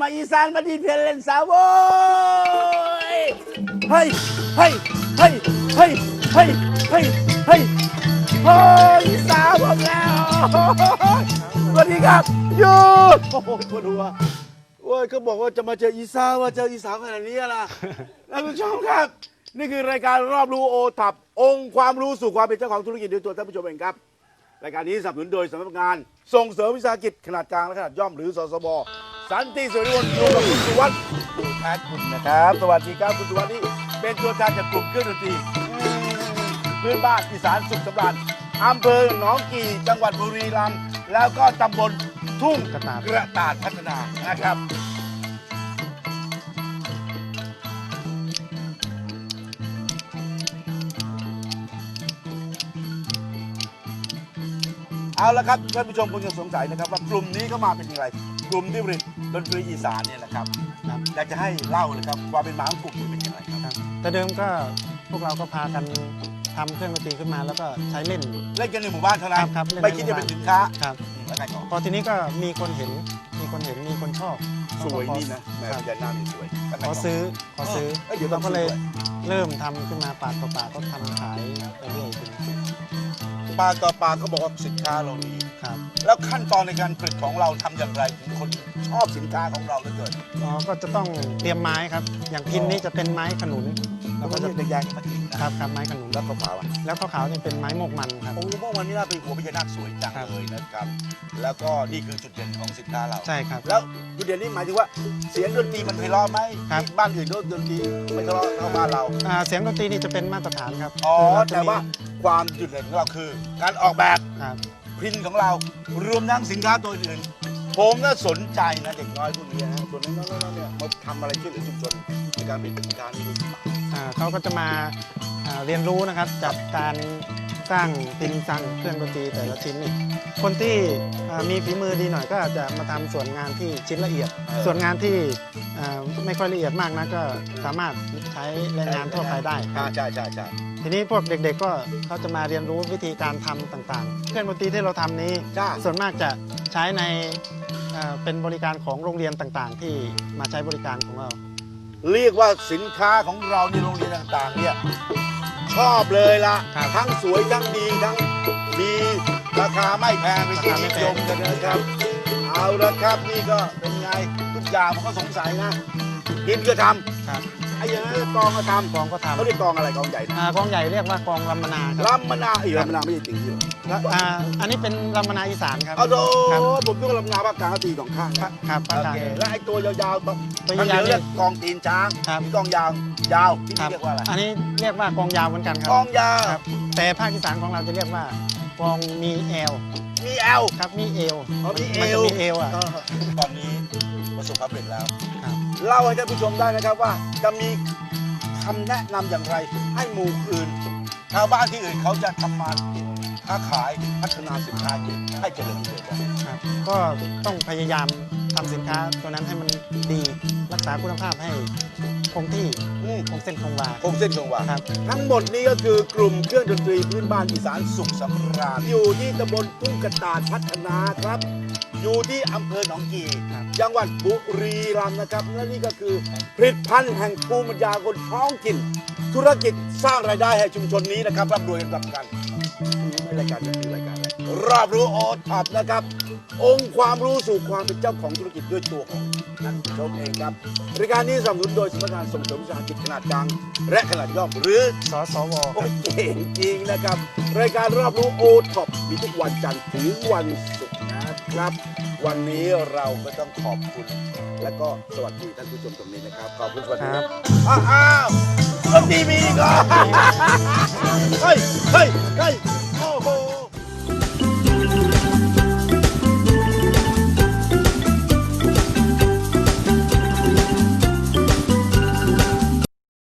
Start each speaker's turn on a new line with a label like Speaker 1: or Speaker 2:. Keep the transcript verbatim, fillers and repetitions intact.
Speaker 1: อีสานมาดีเพลเล่นสาวโว้ยเฮ้ยเฮ้ยเฮ้ยเฮ้ยเฮ้ยเฮ้ยเฮ้ยโอ้ยอีสาวผมแล้วสวัสดีครับยูโอ้โหปวดหัวโอ้ยก็บอกว่าจะมาเจออีสาวว่าเจออีสาวขนาดนี้ล่ะท่านผู้ชมครับนี่คือรายการรอบรู้โอทับองค์ความรู้สู่ความเป็นเจ้าของธุรกิจโดยตัวท่านผู้ชมเองครับรายการนี้สนับสนุนโดยสำนักงานส่งเสริมวิสาหกิจขนาดกลางและขนาดย่อมหรือสสบสันติสุริวงศ์อยู่กับคุณสุวัสดิ์ดูแทนคุณนะครับสวัสดีครับคุณสุวัสดิ์นี่เป็นตัวแทนจากกลุ่มเครื่องดนตรีพื้นบ้านอีสานสุขสำราญอำเภอหนองกี่จังหวัดบุรีรัมย์แล้วก็ตำบลทุ่งกระตาดกระตาดพัฒนานะครับเอาละครับท่านผู้ชมคงจะสงสัยนะครับว่ากลุ่มนี้เข้ามาเป็นอย่างไรกลุ่มที่ผลิตดนตรีอีสานเนี่ยแหละครับอยากจะให้เล่าเลยครับความเป็นมาของกลุ่มนี้เป็นอย่างไรครับ
Speaker 2: แต่เดิมก็พวกเราก็พากันทำเครื่องดนตรีขึ้นมาแล้วก็ใช้เล่น
Speaker 1: เล่นกันในหมู่บ้านเท่านั้นไม่คิดจะเป็นสินค้า
Speaker 2: ครับพอทีนี้ก็มีคนเห็นมีคนเห็นมีคนชอบ
Speaker 1: สวยนี่นะแม่ยานานี่สวย
Speaker 2: ขอซื้อขอซื้อเราก็เลยเริ่มทำขึ้นมาปากต่อปากก็ทำขายไปเรื่อย
Speaker 1: ปากต่อปากเขาบอกว่าสินค้าเราดี
Speaker 2: ครับ
Speaker 1: แล้วขั้นตอนในการผลิตของเราทำอย่างไรถึงคนชอบสินค้าของเราเหลือเกิน
Speaker 2: อ๋อก็จะต้องเตรียมไม้ครับอย่างพินนี่จะเป็นไม้ขนุน
Speaker 1: แล้วก็จะเป็นแดงมาทิ้ง
Speaker 2: ครับครับไม้ขนุน
Speaker 1: แล้วขาวๆ
Speaker 2: แล้วขาวๆนี่เป็นไม้โมกมันครับ
Speaker 1: โอ้โมกมันนี่น่าเป็นหัวพญานาคสวยจังเลยนะครับแล้วก็นี่คือจุดเด่นของสินค้าเรา
Speaker 2: ใช่ครับ
Speaker 1: แล้วจุดเด่นนี่หมายถึงว่าเสียงดนตรีมันไพเราะไหมบ้านอื่นดนตรีไม่ไพเราะเท่าบ้านเรา
Speaker 2: เสียงดนตรีนี่จะเป็นมาตรฐานครับ
Speaker 1: อ๋อแต่ว่าความจุดเด่นของเราคือการออกแบบพินของเรารวมทั้งสินค้าตัวอื่นผมก็สนใจนะเด็กน้อยพวกนี้นะตัวน้อยๆเนี่ยมาทำอะไรช่วยเหลือชุมชนในการผลิตสินค้านี้ด้วย
Speaker 2: เขาก็จะมาเรียนรู้นะครับจากการสร้างพินสร้างเครื่องดนตรีแต่ละชิ้นนี่คนที่มีฝีมือดีหน่อยก็จะมาทำส่วนงานที่ชิ้นละเอียดส่วนงานที่ไม่ค่อยละเอียดมากนะก็สามารถใช้แรงงานทั่วไปได้
Speaker 1: ใช่ใช่ใช่
Speaker 2: ทีนี้พวกเด็กๆก็เขาจะมาเรียนรู้วิธีการทำต่างๆเครื่องดนตรีที่เราทำนี้ส่วนมากจะใช้ในเป็นบริการของโรงเรียนต่างๆที่มาใช้บริการของเรา
Speaker 1: เรียกว่าสินค้าของเราในโรงเรียนต่างๆเนี่ยชอบเลยล่ะทั้งสวยทั้งดีทั้งดีราคาไม่แพงเป็นที่นิยมกันนะครับเอาละครับนี่ก็เป็นไงทุกอย่างมันก็สงสัยนะกินก็ทำไอ้อย่างนั้นกองก็ทำ
Speaker 2: กองก็ทำ
Speaker 1: เขาเรียกกองอะไรกองใหญ่
Speaker 2: กองใหญ่เรียกว่ากองลำมนา
Speaker 1: ลำมนาอีกลำมนาไม่ใช่จริง
Speaker 2: ๆอันนี้เป็นลำมนาอีสานครับ
Speaker 1: เอาโดผมก็ลำมนาภาคกลางตีสองข้าง
Speaker 2: ครับโอเค
Speaker 1: แล้วไอ้ตัวยาวๆ
Speaker 2: ตัวยาว
Speaker 1: เรียกกองตีนช้างมีกองยาวยาวที่นี่เรียกว่าอะไร
Speaker 2: อันนี้เรียกว่ากองยาวเหมือนกันครับ
Speaker 1: กองยาว
Speaker 2: แต่ภาคอีสานของเราจะเรียกว่ากองมีเอว
Speaker 1: มีเอว
Speaker 2: ครับมีเอว
Speaker 1: มีเอว
Speaker 2: มีเอวอ่ะ
Speaker 1: ตอนนี้ประสบความสำเร็จแล้วเล่าให้ท่านผู้ชมได้นะครับว่าจะมีคำแนะนำอย่างไรให้หมู่อื่นชาวบ้านที่อื่นเขาจะทำมาค้าขายพัฒนาสินค้าให้เจริญเติบโต
Speaker 2: ครับก็ต้องพยายามทำสินค้าตัวนั้นให้มันดีรักษาคุณภาพให้คงที่คงเส้นคงวา
Speaker 1: คงเส้นคงวาทั้งหมดนี้ก็คือกลุ่มเครื่องดนตรีพื้นบ้านอีสานสุขสำราญอยู่ที่ตำบลทุ่งกระตาดพัฒนาครับอยู่ที่อำเภอหนองกี่จังหวัดบุรีรัมย์นะครับและนี่ก็คือผลิตภัณฑ์แห่งภูมิปัญญาคนท้องถิ่นธุรกิจสร้างรายได้ให้ชุมชนนี้นะครับร่ำรวยกันกันนี่รายการนี้คือรายการรอบรู้โอท็อปนะครับองค์ความรู้สู่ความเป็นเจ้าของธุรกิจด้วยตัวของท่านผู้ชมเองครับรายการนี้สนับสนุนโดยสำนักงานส่งเสริมวิสาหกิจขนาดกลางและขนาดย่อมหรือ
Speaker 2: สสว
Speaker 1: โอ้เก่งจริงนะครับรายการรอบรู้โอท็อปมีทุกวันจันทร์ถึงวันศุกร์นะครับวันนี้เราก็ต้องขอบคุณและก็สวัสดีท่านผู้ชมตรงนี้นะครับขอบคุณสวัสดีครับอ้าวดนตรีมีก่อน